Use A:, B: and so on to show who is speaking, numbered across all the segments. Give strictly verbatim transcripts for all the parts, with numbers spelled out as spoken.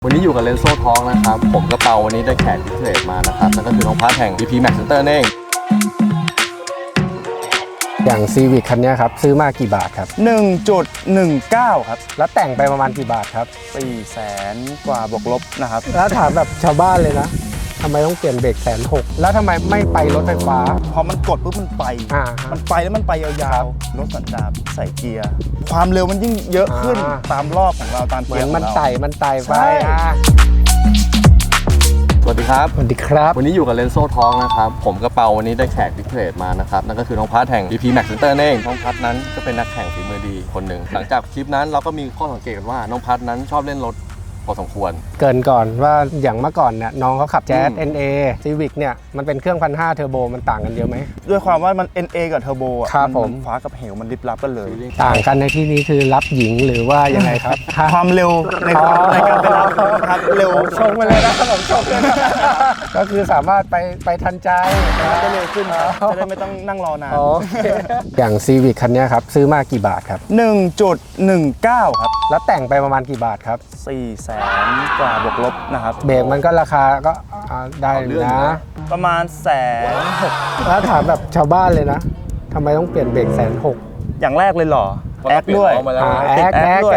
A: วันนี้อยู่กับเลนโซ่ท้องนะครับผมกระเปาวันนี้ได้แขกพิเศษมานะครับนั่นก็คือน้องพัทแห่ง บี พี Max Center เอง
B: อย่างซีวิคคันนี้ครับซื้อมากี่บาทครับ
C: หนึ่งจุดหนึ่งเก้า ครับ
B: แล้วแต่งไปประมาณกี่บาทครับ
C: สี่แสนกว่าบวกลบนะครับ
B: แล้วถามแบบชาวบ้านเลยนะทำไมต้องเปลี่ยนเบรกแสนหกแล้วทำไมไม่ไปรถไฟฟ้า
C: พอมันกดปุ๊บมันไป
B: อ่า
C: มันไปแล้วมันไปยาวๆรถสันดาปใส่เกียร์ความเร็วมันยิ่งเยอะขึ้นตามรอบของเราตามเกียร์ของเรา
B: มันไต่มันไต่ไป
A: สวัสดีครับ
B: สวัสดีครับ
A: วันนี้อยู่กับเลนโซ่ท้องนะครับผมกระเปาวันนี้ได้แขกพิเศษมานะครับนั่นก็คือน้องพัทแห่ง บี พี Max Center เองน้องพัทนั้นก็เป็นนักแข่งฝีมือดีคนหนึ่งหลังจากคลิปนั้นเราก็มีข้อสังเกตกันว่าน้องพัทนั้นชอบเล่นรถพอสมควร
B: เกินก่อนว่าอย่างเมื่อก่อนเนี่ยน้องเขาขับแจ๊ส เอ็น เอ Civic เนี่ยมันเป็นเครื่องพันห้าเทอร์โบมันต่างกันเยอะไหม
C: ด้วยความว่ามัน เอ็น เอ กับเทอร์โบอ่ะ
B: มัน
C: ฟ้ากับเหวมันลิบลับกันเลย
B: ต่างกันในที่นี้คือรับหญิงหรือว่ายังไงครับ
C: ความเร็วในในการไปรับครับเร็ว
B: ชงไปเลยนะผมชงเลยนะก็คือสามารถไปไปทันใจ
C: จะเร็วขึ้นจะได้ไม่ต้องนั่งรอนาน
B: อย่างซีวิคคันนี้ครับซื้อมากี่บาทครับ
C: หนึ่งจุดหนึ่งเก้า ครับ
B: แล้วแต่งไปประมาณกี่บาทครับ
C: สี่แสนกว่าบวกลบนะครับ
B: เบรกมันก็ราคาก็ได้นะ
C: ประมาณแสนหก
B: แล้วถามแบบชาวบ้านเลยนะทำไมต้องเปลี่ยนเบรกแสนหก
C: อย่างแรกเลยหรอแอคด้วย
B: แอคแอค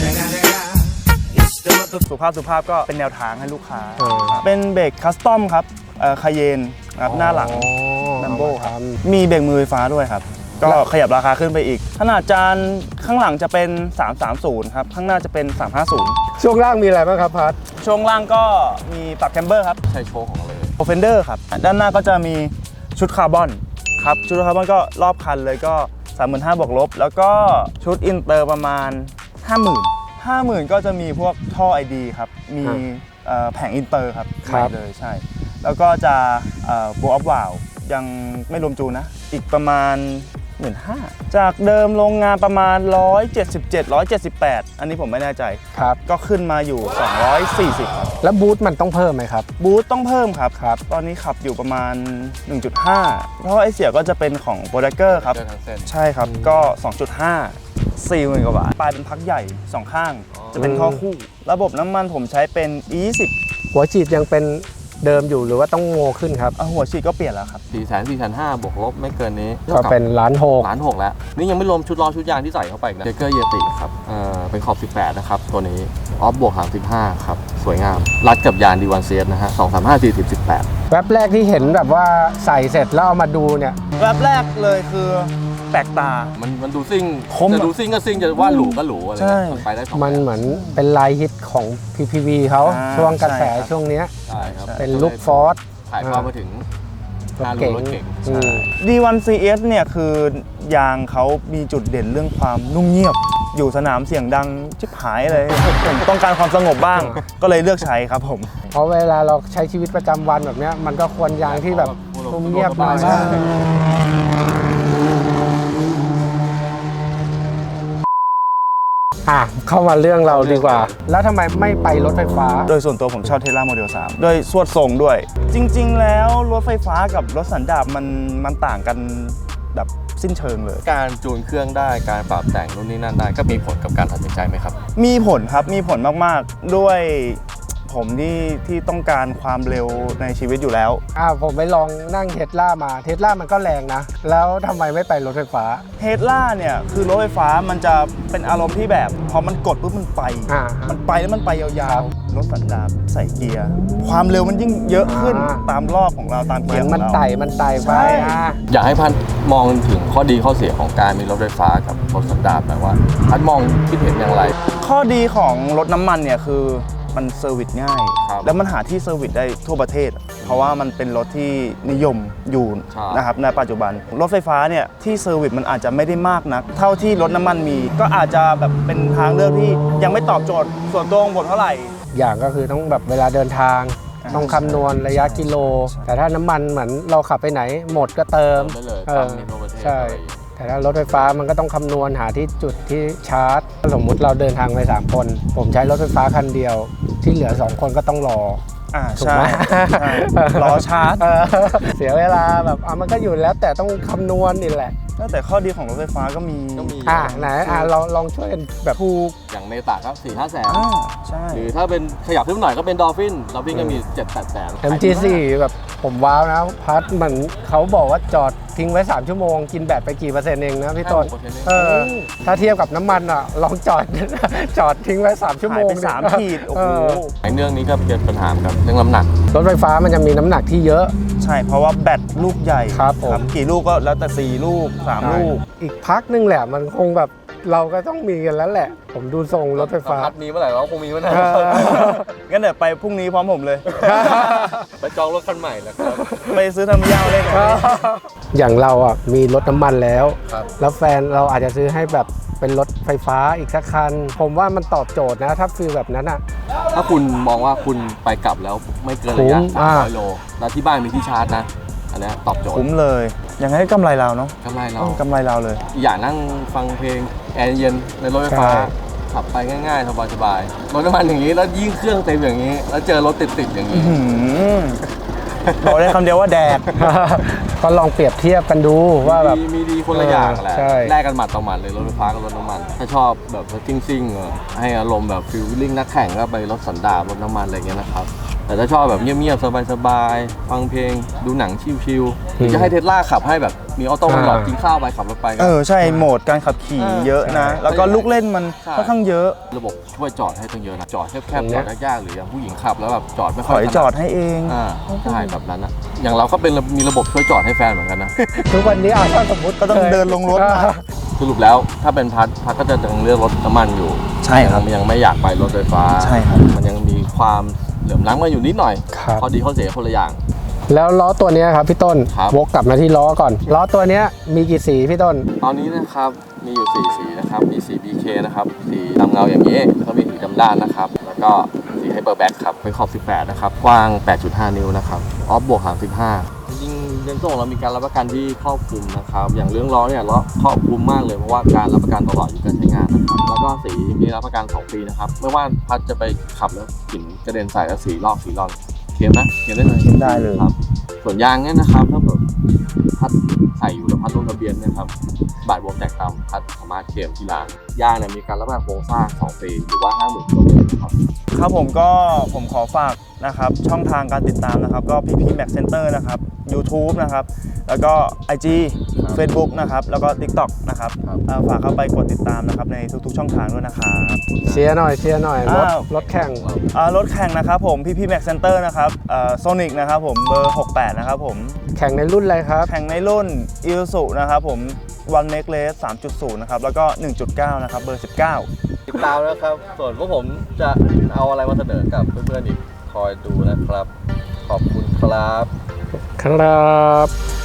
C: สุภาพสุภาพก็เป็นแนวทางให้ลูกค้าเป็นเบรกคัสตอมครับคาเยนครับหน้าหลังลัมโบ้ครับมีเบรกมือไฟฟ้าด้วยครับก็ขยับราคาขึ้นไปอีกขนาดจานข้างหลังจะเป็นสามสามศูนย์ครับข้างหน้าจะเป็นสามห้าศูนย์
B: ช่วงล่างมีอะไรบ้างครับพัท
C: ช่วงล่างก็มีปรับแคมเบอร์ครับ
A: ใช่โชว์ของเลย
C: โอเฟนเดอร์ครับด้านหน้าก็จะมีชุดคาร์บอนครับชุดคาร์บอนก็รอบคันเลยก็ สามหมื่นห้าพัน บวกลบแล้วก็ชุดอินเตอร์ประมาณ ห้าหมื่น ห้าหมื่น ก็จะมีพวกท่อ ไอ ดี ครับมีแผงอินเตอร์ครับใช่เลยใช่แล้วก็จะโบว์อัพวาลยังไม่รวมจูนนะอีกประมาณหมื่นห้าจากเดิมโรงงานประมาณหนึ่งร้อยเจ็ดสิบเจ็ด หนึ่งร้อยเจ็ดสิบแปดอันนี้ผมไม่แน่ใจ
B: ครับ
C: ก็ขึ้นมาอยู่สองร้อยสี่สิบครับ
B: แล้วบูทมันต้องเพิ่มไหมครับ
C: บูทต้องเพิ่มครับครับตอนนี้ขับอยู่ประมาณ หนึ่งจุดห้า เพราะว่าไอเสียก็จะเป็นของโปรดักเกอร์ครับใช่ครับก็ สองจุดห้า สี่หมื่น กว่าบาทปลายเป็นพักใหญ่สองข้างจะเป็นท่อคู่ระบบน้ำมันผมใช้เป็น อี ยี่สิบ
B: หัวฉีดยังเป็นเดิมอยู่หรือว่าต้องโง่ขึ้นครับ
C: หัวฉีดก็เปลี่ยนแล้วครับ
A: สี่แสนสี่แสนห้าบวกลบไม่เกินนี้
B: ก็เป็นล้านหก
A: ล้านหกแล้วนี่ยังไม่รวมชุดล้อชุดยางที่ใส่เข้าไปนะเจเกอร์เยติครับเอ่อเป็นขอบสิบแปดนะครับตัวนี้ออฟบวกสามสิบห้าครับสวยงามรัดกับยาง ดี วัน ซี เอส นะฮะสอง สาม ห้า สี่ สิบ สิบแปด
B: แวบแรกที่เห็นแบบว่าใส่เสร็จแล้วเอามาดูเนี่ย
C: แวบแรกเลยคือแปลกตา
A: มันมันดูซิ่งจะดูซิ่งก็ซิ่งจะว่าหรูก็หรูอะไร
B: ไปได้มันเหมือนเป็นลายฮิตของ พี พี วี เขาช่วงกระแสช่วงนี้
A: ใช่ครับ
B: เป็นลุคฟอร์ด
A: ถ่ายภาพมาถึง
B: รถเก่ง
C: ดี วัน ซี เอส เนี่ยคือยางเขามีจุดเด่นเรื่องความนุ่มเงียบอยู่สนามเสียงดังชิบหายเลยผมต้องการความสงบบ้างก็เลยเลือกใช้ครับผม
B: เพราะเวลาเราใช้ชีวิตประจำวันแบบนี้มันก็ควรยางที่แบบนุ่มเงียบหน่อยอ่ะเข้ามาเรื่องเราดีกว่าแล้วทำไมไม่ไปรถไฟฟ้า
C: โดยส่วนตัวผมชอบ Tesla Model สามโดยสวดทรงด้วยจริงๆแล้วรถไฟฟ้ากับรถสันดาปมันมันต่างกันแบบสิ้นเชิงเลย
A: การจูนเครื่องได้การปรับแต่งนู่นนี่นั่นได้ก็มีผลกับการตัดสินใจไหมครับ
C: มีผลครับมีผลมากๆด้วยผมที่ที่ต้องการความเร็วในชีวิตอยู่แล้ว
B: อ่าผมไปลองนั่งเทสลามาเทสลามันก็แรงนะแล้วทำไมไม่ไปรถไฟฟ้า
C: เทสลาเนี่ยคือรถไฟฟ้ามันจะเป็นอารมณ์ที่แบบพอมันกดปุ๊บมันไปมันไปแล้วมันไปยาวๆรถสันดาปใส่เกียร์ความเร็วมันยิ่งเยอะขึ้นตามรอบของเราตามเกียร์ของเรา
B: มันไต่มันไต่ไป
A: อยากให้พันมองถึงข้อดีข้อเสียของการมีรถไฟฟ้ากับรถสันดาปหน่อยว่าพันมองคิดเห็นอย่างไร
C: ข้อดีของรถน้ำมันเนี่ยคือมันเซอร์วิสง่ายแล้วมันหาที่เซอร์วิสได้ทั่วประเทศเพราะว่ามันเป็นรถที่นิยมอยู่นะครับในปัจจุบันรถไฟฟ้าเนี่ยที่เซอร์วิสมันอาจจะไม่ได้มากนักเท่าที่รถน้ำมันมีก็อาจจะแบบเป็นทางเลือกที่ยังไม่ตอบโจทย์ส่วนตัวของผมเท่าไหร่
B: อย่างก็คือต้องแบบเวลาเดินทางต้องคำนวณระยะกิโลแต่ถ้าน้ำมันเหมือนเราขับไปไหนหมดก็เติม
A: เออ
B: ใช่แต่ถ้ารถไฟฟ้ามันก็ต้องคำนวณหาที่จุดที่ชาร์จสมมุติเราเดินทางไปสามคนผมใช้รถไฟฟ้าคันเดียวที่เหลือสองคนก็ต้องรอ
C: อ่า
B: ถูก
C: ใช่
B: ไหม
C: ใช่รอชาร์จ
B: เออเสียเวลาแบบอ่ะมันก็อยู่แล้วแต่ต้องคำนวณนี่แหละ
C: แต่ข้อดีของรถไฟฟ้าก็มี
A: ก็มี
B: อ่าไหนอ่าเราลองช่วยกันแบบถูก
A: อย่างเมตาครับสี่ห้าแสน
C: อ่าใช่
A: หรือถ้าเป็นขยับขึ้นมาหน่อยก็เป็นดอลฟินดอลฟินก็มีเจ็ดแปดแสน
B: เอ็ม จี โฟร์ แบบผมว้าวนะพัดเหมือนเขาบอกว่าจอดทิ้งไว้ สาม ชั่วโมง กินแบตไปกี่เปอร์เซ็นต์เองนะพี่ต้นเออถ้าเทียบกับน้ำมันอ่ะ ลองจอด จอดทิ้งไว้ สาม ชั่วโม
C: หาย
B: ง
C: ไปสาม
B: ดิ
C: ขีดโอ้
B: เอ
C: โห
B: อ
A: ไอ้เรื่องนี้ก็เป็นปัญหากับเรื่องน้ำหนัก
B: รถไฟฟ้ามันจะมีน้ำหนักที่เยอะ
C: ใช่เพราะว่าแบตลูกใหญ่
B: ครับผม
C: กี่ลูกก็แล้วแต่สี่ลูกสามลูก
B: อีกพักนึงแหละมันคงแบบเราก็ต้องมีกันแล้วแหละ ผมดูทรงรถไฟฟ้า
A: พัดมีเมื่อไหร่เราคงมีเมื่อไหร่
B: เออ
C: งั้นเดี๋ยวไปพรุ่งนี้พร้อมผมเลย
A: ไปจองรถคันใหม่แล้วครับ
C: ไปซื้อทำยาวเลยนะ
B: อย่างเราอ่ะมีรถน้ำมันแล้ว
A: ครับ
B: แล้วแฟนเราอาจจะซื้อให้แบบเป็นรถไฟฟ้าอีกสักคัน ผมว่ามันตอบโจทย์นะถ้าฟีลแบบนั้นอ่ะ
A: ถ้าคุณมองว่าคุณไปกลับแล้วไม่เกินระยะ
B: คุ้ม
A: สาม
B: อ่า
A: ร้อยโลแล้วที่บ้านมีที่ชาร์จนะ อันเนี้ยตอบโจทย์
C: คุ้มเลยยังไงก็กำไรเราเนาะ
A: กำไรเรา
C: ต้องกำไรเราเลย
A: อย่านั่งฟังเพลงแอร์เย็นในรถไฟฟ้า
B: ใช่
A: ขับไปง่ายๆสบายๆรถน้ำมันอย่างนี้แล้วยิ่งเครื่องเต็มอย่างนี้ แล้วเจอรถติดๆอย่างนี้
C: หืมบอกได้คำเดียวว่าแดก
B: ก็ลองเปรียบเทียบกันดูว่าแบบ
A: มีมีดีคนละอย่างแหละ
B: ใช่
A: แลกกันหมัดต่อหมัดเลยรถไฟฟ้ากับรถน้ำมัน ถ้าชอบแบบรถซิ่งๆเออให้อารมณ์แบบฟิลลิ่งนักแข่งก็ไปรถสันดาปรถน้ำมันอะไรเงี้ยนะครับ แต่ถ้าชอบแบบเงียบๆสบายๆฟังเพลงดูหนังชิลๆหรือจะให้เทสลาขับให้แบบมีออโต้มันหลอดกินข้าวไปขับรถไปก็
C: เออใช่โหมดการขับขี่
A: เออ
C: เยอะนะ
A: ใช่
C: แล้วก็ลูกเล่นมัน
A: ใช่
C: ค่อนข้างเยอะ
A: ระบบช่วยจอดให้ตั้งเยอะนะจอดแคบ
B: ตรง
A: ๆ
B: เนี้
A: จอย ดยากๆหรืออย่างผู้หญิงขับแล้วแบบจอดไม่
C: ถ
A: ค่อย
C: อย
A: ถนั
C: จอดให้เอง
A: อ่าใช่แบบนั้นอะอย่างเราก็เป็นมีระบบช่วยจอดให้แฟนเหมือนกันนะ
B: ทุกวันนี้อ่ะถ้าสมมติ
C: ก็ต้องเดินลงรถมา
A: สรุปแล้วถ้าเป็นพัดพัดก็จะยังเลือกรถน้ำมันอยู่
C: ใช่ครับ
A: ยังยังไม่อยากไปรถไฟฟ้า
C: ใช่ครับ
A: มันยังมีความเหลื่อมล้ำมาอยู่นิดหน่อย
B: ครับ
A: ข้อดีข้อเสียคนละอย่าง
B: แล้วล้อตัวเนี้ยครับพี่ต้น
A: ครับ
B: วกกลับมาที่ล้อก่อน ล้อตัวเนี้ยมีกี่สีพี่ต้น
A: ตอนนี้นะครับมีอยู่สี่สีนะครับมีสี บี เค นะครับสีดำเงาอย่างนี้แล้วก็มีสีดำด้านนะครับแล้วก็สีไฮเปอร์แบ็คครับเป็นขอบสิบแปดนะครับกว้าง แปดจุดห้า นิ้วนะครับออฟบวกสามสิบห้าจริงๆเรนโซ่ของเรามีการรับประกันที่ครอบคลุมนะครับอย่างเรื่องล้อเนี่ยล้อครอบคลุมมากเลยเพราะว่าการรับประกันตลอดอายู่การใช้งานนะครับแล้วก็สีมีรับประกันสองปีนะครับไม่ว่าพัดจะไปขับแล้วกลิ่นกระเด็นใส่แล้วสีลอกสีลอกเคลมนะเคลมได้เลย
C: เคลมได้เลย
A: ครับส่วนยางเนี่ยนะครับถ้าแบบพัดใส่อยู่แล้วพัดลงทะเบียนเนะครับบาดบวมแตกต่ำพัดสามารถเคลมที่ร้านยางเนี่ยมีการรับประกันโครงสร้างสองปีหรือว่า ห้าหมื่นกิโลเมตรนะครับ
C: ครับผมก็ผมขอฝากนะครับช่องทางการติดตามนะครับก็ พี พี Max Center นะครับ YouTube นะครับแล้วก็ ไอ จี
A: ครับ
C: Facebook นะครับแล้วก็ TikTok นะครับ
A: ครับ
C: เอ่อฝากเข้าไปกดติดตามนะครับในทุกๆช่องทางด้วยนะครับ
B: เชียร์หน่อยเชียร์หน่อยรถ
C: อ้าว
B: รถแข่ง
C: อ่ารถแข่งนะครับผม พี พี Max Center นะครับโซนิกนะครับผมเบอร์หกแปดนะครับผม
B: แข่งในรุ่นอะไรครับ
C: แข่งในรุ่น Isuzu นะครับผม One Make Race สามจุดศูนย์ นะครับแล้วก็ หนึ่งจุดเก้า นะครับเบอร์สิบเก้า
A: ติดตามนะครับ ส่วนพวกผมจะเอาอะไรมาเสนอกับเพื่อนๆอีกคอยดูนะครับ ขอบคุณครับ
B: ครับ